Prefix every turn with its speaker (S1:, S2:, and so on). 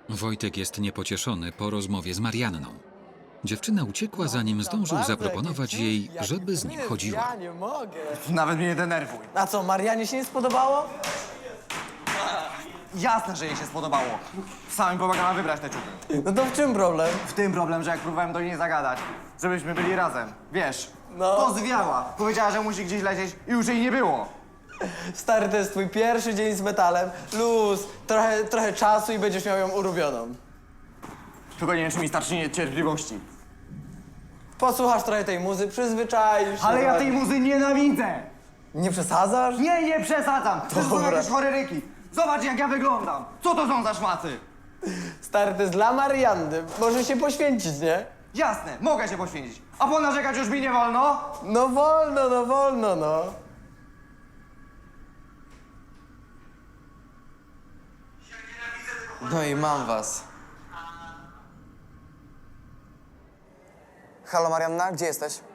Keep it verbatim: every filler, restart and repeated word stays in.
S1: Wojtek jest niepocieszony po rozmowie z Marianną. Dziewczyna uciekła, zanim zdążył zaproponować jej, żeby z nim chodziła.
S2: Ja nie mogę.
S3: Nawet mnie nie denerwuj.
S2: A co, Marianie się nie spodobało?
S3: Jasne, że jej się spodobało. Sam pomagała wybrać te ciuchy.
S2: No to w czym problem?
S3: W tym problem, że jak próbowałem do niej zagadać, żebyśmy byli razem, wiesz,
S2: No.
S3: to zwiała. Powiedziała, że musi gdzieś lecieć i już jej nie było.
S2: Stary, to jest twój pierwszy dzień z metalem. Luz, trochę, trochę czasu i będziesz miał ją ulubioną.
S3: Tylko nie wiem, czy mi starczy niecierpliwości.
S2: Posłuchasz trochę tej muzy, przyzwyczaisz się.
S3: Ale ja
S2: trochę.
S3: tej muzy nienawidzę!
S2: Nie przesadzasz?
S3: Nie, nie przesadzam! To są
S2: Dobra.
S3: jakieś choreryki. Zobacz, jak ja wyglądam. Co to są za szmaty?
S2: Stary, to jest dla Marianny. Może się poświęcić, nie?
S3: Jasne, mogę się poświęcić. A ponarzekać już mi nie wolno?
S2: No wolno, no wolno, no. No i mam was.
S4: Halo Marianna, gdzie jesteś?